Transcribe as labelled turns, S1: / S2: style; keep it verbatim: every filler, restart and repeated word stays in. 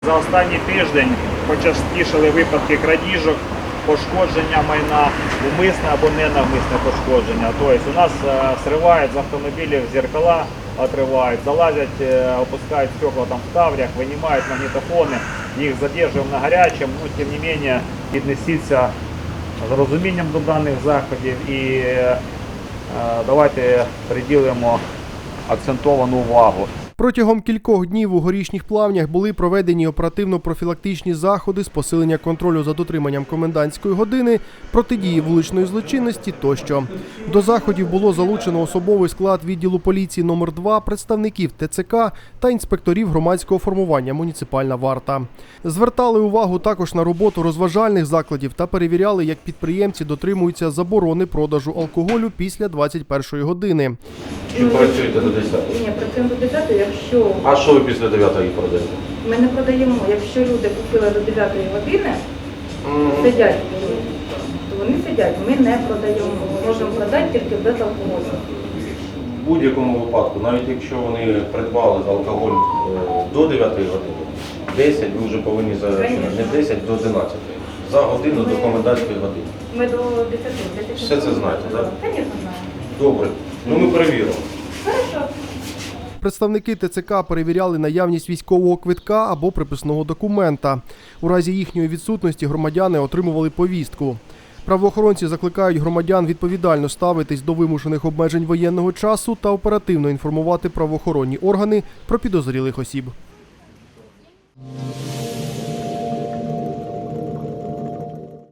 S1: За останній тиждень почастішали випадки крадіжок, пошкодження майна, умисне або ненавмисне пошкодження. Тобто у нас зривають з автомобілів зеркала, отривають, залазять, опускають стекла там в таврях, винімають магнітофони, їх задержуємо на гарячому, но тим не менше віднесіться з розумінням до даних заходів і давайте приділимо акцентовану увагу.
S2: Протягом кількох днів у Горішніх Плавнях були проведені оперативно-профілактичні заходи з посилення контролю за дотриманням комендантської години, протидії вуличної злочинності тощо. До заходів було залучено особовий склад відділу поліції номер два, представників Те Це Ка та інспекторів громадського формування «Муніципальна варта». Звертали увагу також на роботу розважальних закладів та перевіряли, як підприємці дотримуються заборони продажу алкоголю після двадцять першої години.
S3: Чи працюєте до десятої?
S4: Ні, працюємо до десятої, якщо...
S3: А що ви після дев'ятої продаєте?
S4: Ми не продаємо. Якщо люди купили до дев'ятої години,
S3: Mm.
S4: сидять, то вони сидять. Ми не продаємо. Ми можемо продати тільки без алкоголю.
S3: В будь-якому випадку, навіть якщо вони придбали алкоголь е, до дев'ятої години, десять ви вже повинні зарахувати, не десять до одинадцятої, за годину до комендантської години.
S4: Ми до десяти.
S3: Все це знаєте, так?
S4: Звісно, знаємо.
S3: Добре. Ну ми перевіримо.
S4: Хорошо.
S2: Представники Те Це Ка перевіряли наявність військового квитка або приписного документа. У разі їхньої відсутності громадяни отримували повістку. Правоохоронці закликають громадян відповідально ставитись до вимушених обмежень воєнного часу та оперативно інформувати правоохоронні органи про підозрілих осіб.